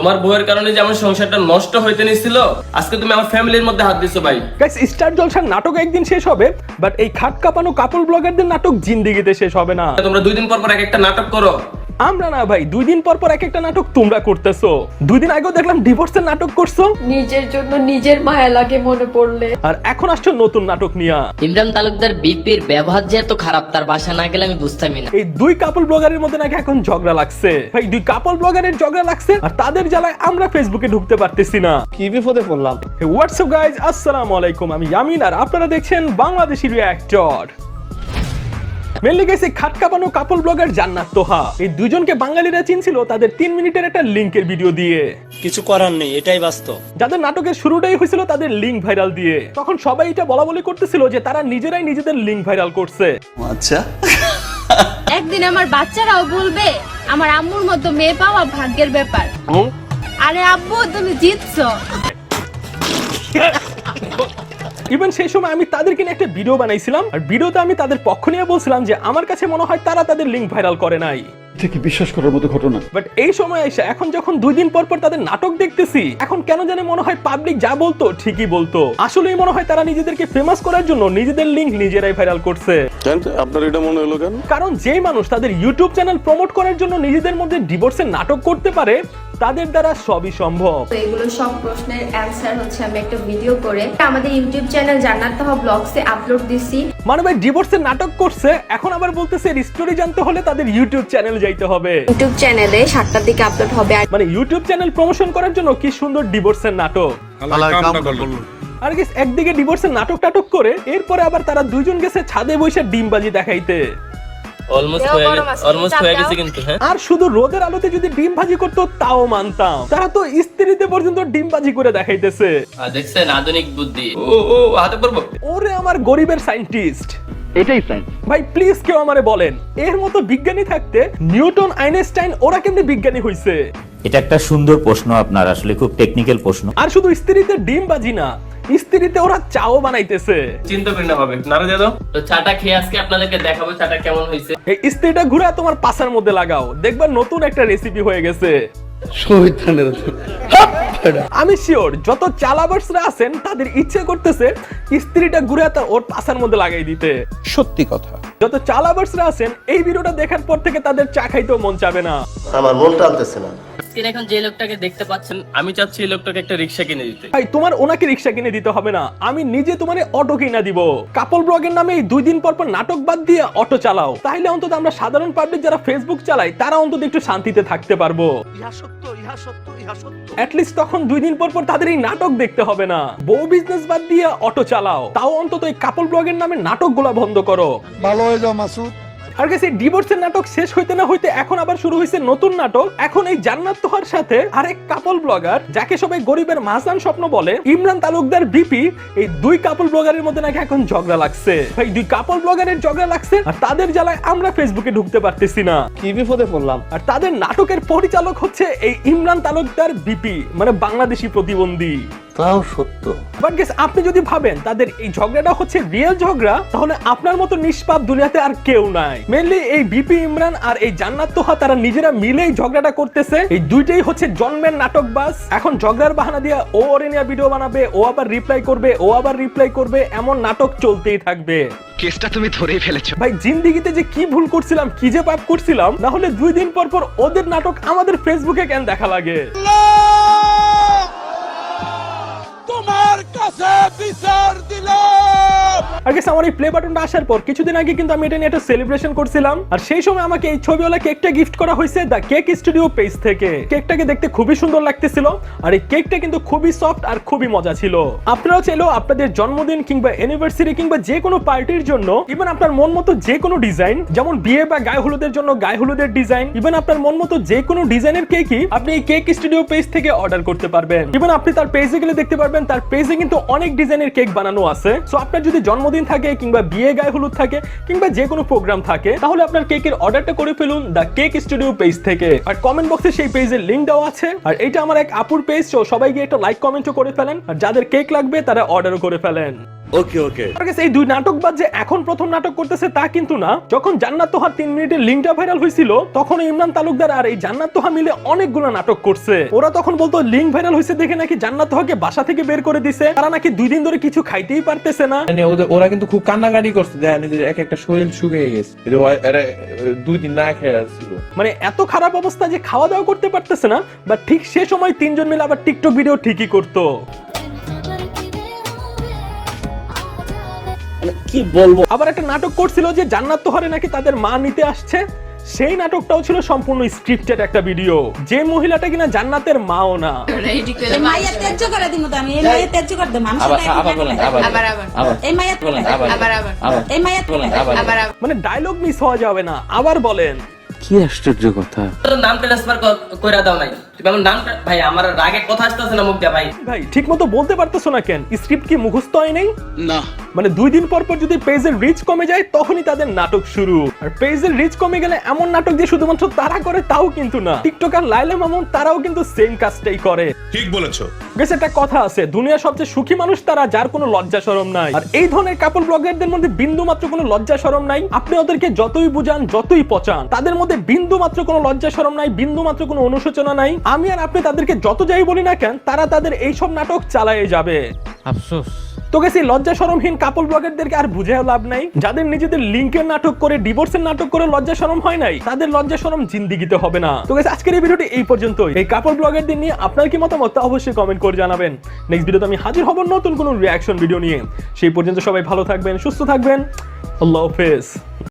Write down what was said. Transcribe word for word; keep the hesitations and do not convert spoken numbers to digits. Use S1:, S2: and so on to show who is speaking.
S1: তোমার বউয়ের কারণে যে আমার সংসারটা নষ্ট হইতে নিছিল, আজকে তুমি আমার ফ্যামিলির মধ্যে হাত দিছো ভাই।
S2: গাইস, স্টার জলসার নাটক একদিন শেষ হবে, বাট এই খাট কাঁপানো কাপল ব্লগারদের নাটক জিন্দেগিতে শেষ হবে না।
S1: তোমরা দুই দিন পর পর এক একটা নাটক করো।
S2: আমরা না ভাই, দুই দিন পর পর এক একটা নাটক তোমরা করতেছো। দুই দিন আগেও দেখলাম ডিভোর্সের নাটক করছো,
S3: নিজের জন্য নিজের মায়া লাগে মনে পড়লে।
S2: আর এখন আসছো নতুন নাটক নিয়া।
S4: ইমরান তালুকদার বিপির ব্যবহার যে এত খারাপ তার বাসা না গেলে আমি বুঝতামই না।
S2: এই দুই কাপল ব্লগারের মধ্যে নাকি এখন ঝগড়া লাগছে ভাই, দুই কাপল ব্লগারের ঝগড়া লাগছে, আর তাদের জ্বালায় আমরা ফেসবুকে ঢুকতে পারতেছি না।
S5: কি বিপদে পড়লাম।
S2: হোয়াটসঅ্যাপ গাইজ, আসসালামু আলাইকুম, আমি ইয়ামিন আর আপনারা দেখছেন বাংলাদেশি রিঅ্যাক্টর। মেনলি গেছে খাট কাঁপানো কাপল ব্লগার জান্নাত তোহা, এই দুজনকে বাঙালিরা চিনছিল তাদের তিন মিনিটের একটা লিংকের ভিডিও দিয়ে।
S5: কিছু করার নেই, এটাই বাস্তব।
S2: যাদের নাটকের শুরুটাই হয়েছিল তাদের লিংক ভাইরাল দিয়ে, তখন সবাই এটা বলা বলি করতেছিল যে তারা নিজেরাই নিজেদের লিংক ভাইরাল করছে।
S6: আচ্ছা,
S7: একদিন আমার বাচ্চারাও বলবে আমার আম্মুর মতো মেয়ে পাওয়া ভাগ্যের ব্যাপার। আরে আব্বু, তুমি জিতছো।
S2: ইভেন সেই সময় আমি তাদেরকে নিয়ে একটা ভিডিও বানাইছিলাম, আর ভিডিওতে আমি তাদের পক্ষ নিয়ে বলছিলাম যে আমার কাছে মনে হয় তারা তাদের লিংক ভাইরাল করে নাই।
S6: থেকে বিশ্বাস করার মতো ঘটনা।
S2: বাট এই সময় এসে এখন যখন দুই দিন পর পর তাদের নাটক দেখতেছি, এখন কেন জানে মনে হয় পাবলিক যা বলতো ঠিকই বলতো। আসলেই মনে হয় তারা নিজেদেরকে ফেমাস করার জন্য নিজেদের লিংক নিজেরাই ভাইরাল করছে।
S8: আপনার এটা মনে হলো কেন?
S2: কারণ যেই মানুষ তাদের ইউটিউব চ্যানেল প্রমোট করার জন্য নিজেদের মধ্যে ডিভোর্সের নাটক করতে পারে, তাদের দ্বারা সবই সম্ভব।
S3: তো এগুলো সব প্রশ্নের অ্যানসার হচ্ছে আমি একটা ভিডিও করে আমাদের ইউটিউব চ্যানেল জান্নাত তোহা ব্লগসে আপলোড দিছি।
S2: মানে ভাই ডিভোর্সের নাটক করছে, এখন আবার বলতেছে স্টোরি জানতে হলে তাদের ইউটিউব চ্যানেল যাইতে হবে।
S3: ইউটিউব চ্যানেলে সাতটার দিকে আপলোড হবে।
S2: মানে ইউটিউব চ্যানেল প্রমোশন করার জন্য কি সুন্দর ডিভোর্সের নাটক। আর গেস একদিকে ডিভোর্সের নাটক টাটক করে, এরপরে আবার তারা দুইজন গেছে ছাদে বসে ডিমবাজি দেখাইতে।
S1: অলমোস্ট হয়ে গেছে, অলমোস্ট হয়ে গেছে কিন্তু। হ্যাঁ,
S2: আর শুধু রোদের আলোতে যদি ডিম ভাজি করতো তাও মানতাম, তারা তো স্ত্রীতে পর্যন্ত ডিম ভাজি করে দেখাইতেছে।
S1: দেখছেন আধুনিক বুদ্ধি। ও ও হাতে পড়বো।
S2: ওরে আমার গরিবের সায়েন্টিস্ট,
S6: এটাই সাইন্স
S2: ভাই প্লিজ কেউ আমারে বলেন, এর মতো বিজ্ঞানী থাকতে নিউটন আইনস্টাইন ওরা কেমনে বিজ্ঞানী হইছে?
S9: এটা একটা সুন্দর প্রশ্ন আপনার, আসলে খুব টেকনিক্যাল প্রশ্ন।
S2: আর শুধু স্ত্রীতে ডিম বাজি না, স্ত্রীতে ওরা চাও বানাইতেছে।
S1: চিন্তা করি না হবে নারে দাদা। তো চাটা খেয়ে আজকে আপনাদেরকে দেখাবো চাটা কেমন হয়েছে।
S2: এই স্ত্রীটা ঘুরে তোমার পাছার মধ্যে লাগাও, দেখবা নতুন একটা রেসিপি হয়ে গেছে। আমি শিওর যত চালাবার্সরা আছেন তাদের ইচ্ছে করতেছে স্ত্রীটা ঘুরে ওর পাছার মধ্যে লাগাই দিতে।
S6: সত্যি কথা।
S2: যত চালাবার্সরা আছেন এই ভিডিওটা দেখার পর থেকে তাদের চা খাইতেও মন চাবে না।
S5: আমার মন টানতেছে না।
S4: আজকে এখন যে লোকটাকে দেখতে পাচ্ছেন,
S1: আমি চাচ্ছি এই লোকটাকে একটা রিকশা কিনে দিতে।
S2: ভাই তোমার ওনাকে রিকশা কিনে দিতে হবে না, আমি নিজে তোমার অটো কিনা দিব। কাপল ব্লগের নামে এই দুই দিন পর পর নাটক বাদ দিয়ে অটো চালাও, তাহলে অন্তত আমরা সাধারণ পাবলিক যারা ফেসবুক চালাই তারা অন্তত একটু শান্তিতে থাকতে পারবো।
S5: ইহা সত্য, ইহা সত্য, ইহা সত্য।
S2: অ্যাটলিস্ট তখন দুই দিন পর পর তাদের এই নাটক দেখতে হবে না। বউ বিজনেস বাদ দিয়ে অটো চালাও, তাও অন্তত এই কাপল ব্লগের নামে নাটকগুলা বন্ধ করো।
S6: ভালো হয়ে যাও মাসুদ।
S2: আর গেছে ডিভোর্সের নাটক শেষ হইতে না হইতে এখন আবার শুরু হয়েছে নতুন নাটক। এখন এই জান্নাত তোহার সাথে আরেক কাপল ব্লগার, যাকে সবাই গরিবের মাহজান স্বপ্ন বলে, ইমরান তালুকদার বিপি, এই দুই কাপল ব্লগারের মধ্যে নাকি এখন ঝগড়া লাগছে। ভাই দুই কাপল ব্লগারের ঝগড়া লাগছে, আর তাদের জ্বালায় আমরা ফেসবুকে ঢুকতে পারতেছি না।
S5: কি বিপদে পড়লাম।
S2: আর তাদের নাটকের পরিচালক হচ্ছে এই ইমরান তালুকদার বিপি, মানে বাংলাদেশি প্রতিবন্ধী।
S5: তাও সত্য।
S2: বাট গেস আপনি যদি ভাবেন তাদের এই ঝগড়াটা হচ্ছে রিয়েল ঝগড়া, তাহলে আপনার মতো নিষ্পাপ দুনিয়াতে আর কেউ নাই। মেনলি এই বিপি ইমরান আর এই জান্নাত তোহা তারা নিজেরা মিলে এই ঝগড়াটা করতেছে। এই দুইটাই হচ্ছে জন্মের নাটক বাস। এখন ঝগড়ার বাহানা দিয়ে ও ওরে নিয়ে ভিডিও বানাবে, ও আবার রিপ্লাই করবে, ও আবার রিপ্লাই করবে, এমন নাটক চলতেই থাকবে।
S10: কেসটা তুমি ধরেই ফেলেছো
S2: ভাই জিন্দেগিতে যে কি ভুল করছিলাম, কি যে পাপ করছিলাম, না হলে দুই দিন পর পর ওদের নাটক আমাদের ফেসবুকে কেন দেখা লাগে?
S8: তোমার কাছে বিচার দিলাম।
S2: আর গেছে আমার এই প্লে বাটনটা আসার পর কিছুদিন আগে কিন্তু আমি এটা নিয়ে একটা সেলিব্রেশন করছিলাম, আর সেই সময় আমাকে এই ছবিওয়ালা কেকটা গিফট করা হয়েছে দ্য কেক স্টুডিও পেজ থেকে। কেকটাকে দেখতে খুবই সুন্দর লাগতেছিল, আর এই কেকটা কিন্তু খুবই সফট আর খুবই মজা ছিল। আপনারাও চাইলেও আপনাদের জন্মদিন কিংবা অ্যানিভার্সারি কিংবা যে কোনো পার্টির জন্য, ইভেন আপনার মন মতো যে কোনো ডিজাইন, যেমন বিয়ে বা গায়ে হলুদের জন্য গায়ে হলুদের ডিজাইন, ইভেন আপনার মন মতো যে কোনো ডিজাইনের কেকই আপনি এই কেক স্টুডিও পেজ থেকে অর্ডার করতে পারবেন। ইভেন আপনি তার পেজে গেলে দেখতে পারবেন তার পেজে কিন্তু অনেক ডিজাইনের কেক বানানো আছে। সো আপনার যদি জন্মদিন থাকে কিংবা বিয়ে গায়ে হলুদ থাকে কিংবা যে কোনো প্রোগ্রাম থাকে, তাহলে আপনার কেকের অর্ডারটা করে ফেলুন দ্য কেক স্টুডিও পেজ থেকে। আর কমেন্ট বক্সে সেই পেজের লিংক দেওয়া আছে। আর এটা আমার এক আপুর পেজ, সো সবাই গিয়ে একটা লাইক কমেন্টও করে ফেলেন, আর যাদের কেক লাগবে তারা অর্ডারও করে ফেলেন।
S8: ওকে ওকে
S2: আমার কাছে এই দুই নাটকবাজ যে এখন প্রথম নাটক করতেছে তা কিন্তু না। যখন জান্নাত তোহার তিন মিনিটের লিঙ্কটা ভাইরাল হয়েছিল তখন ইমরান তালুকদার আর এই জান্নাত তোহা মিলে অনেকগুলো নাটক করছে। ওরা তখন বলতো লিঙ্ক ভাইরাল হয়েছে দেখে নাকি জান্নাত তোহাকে বাসা থেকে বের করে দিছে, তারা নাকি দুই দিন ধরে কিছু খাইতেই পারতেছে না।
S11: মানে ওদের ওরা কিন্তু খুব কান্নাকাটি করছে, দেখেন যে এক একটা শরীর শুকিয়ে গেছে, এই যে ওরা- এরা দুই দিন না খেয়ে আসছিল।
S2: মানে এত খারাপ অবস্থা যে খাওয়া দাওয়া করতে পারতেছে না, বা ঠিক সে সময় তিনজন মিলে আবার টিকটক ভিডিও ঠিকই করতো।
S11: কি বলবো,
S2: আবার একটা নাটক করছিল যে জান্নাত তোহারে নাকি তাদের মা নিতে আসছে, সেই নাটকটাও ছিল সম্পূর্ণ স্ক্রিপ্টেড একটা ভিডিও। যে মহিলাটা কিনা জান্নাতের মাও না।
S7: মাইয়া ত্যায্য করে দিমু তো আমি, এই মাইয়া ত্যায্য করে দেব আমি।
S11: আবার আবার বলেন, আবার
S7: আবার আবার
S11: আবার
S7: এই মাইয়া
S11: বলেন, আবার
S7: আবার আবার
S11: আবার
S7: এই মাইয়া
S11: বলেন, আবার
S7: আবার আবার
S2: মানে ডায়লগ মিস হওয়া যাবে না। আবার বলেন।
S11: কি আশ্চর্য কথা।
S1: তোর নাম ট্রান্সফার কইরা দাও নাই, তুমি আমার নামটা ভাই, আমার রাগে কথা আসতেছে না মুখ দিয়ে ভাই।
S2: ভাই ঠিক মতো বলতে পারতেছো না কেন? স্ক্রিপ্ট কি মুখস্থ হয় নাই?
S8: না
S2: মানে দুই দিন পর পর যদি পেজের রিচ কমে যায় তখনই তাদের নাটক শুরু। আর পেজের রিচ কমে গেলে এমন নাটক যে শুধুমাত্র তারা করে তাও কিন্তু না, টিকটকার লাইলা মামুন তারাও কিন্তু সেম কাজটাই করে।
S8: ঠিক বলেছো।
S2: গেছে একটা কথা আছে, দুনিয়ার সবচেয়ে সুখী মানুষ তারা যার কোনো লজ্জা শরম নাই। আর এই ধরনের কাপল ব্লগারদের মধ্যে বিন্দু মাত্র কোনো লজ্জা শরম নাই। আপনি ওদেরকে যতই বুঝান যতই পচান, তাদের মধ্যে বিন্দু মাত্র কোনো লজ্জা শরম নাই, বিন্দু মাত্র কোনো অনুশোচনা নাই। আমি আর আপনি তাদেরকে যত যাই বলি না কেন, তারা তাদের এইসব নাটক চালায়ে যাবে।
S11: আফসোস।
S2: তো গেছি লজ্জা শরমহীন কাপল ব্লগারদেরকে আর বুঝেও লাভ নাই। যাদের নিজেদের লিঙ্কের নাটক করে, ডিভোর্সের নাটক করে লজ্জা শরম হয় নাই, তাদের লজ্জা শরম জিন্দিগিতে হবে না। তো গেছে আজকের এই ভিডিওটি এই পর্যন্তই। এই কাপল ব্লগারদের নিয়ে আপনার কি মতামত তা অবশ্যই কমেন্ট করে জানাবেন। নেক্সট ভিডিওতে আমি হাজির হব নতুন কোনো রিয়াকশন ভিডিও নিয়ে। সেই পর্যন্ত সবাই ভালো থাকবেন, সুস্থ থাকবেন। আল্লাহ হাফেজ।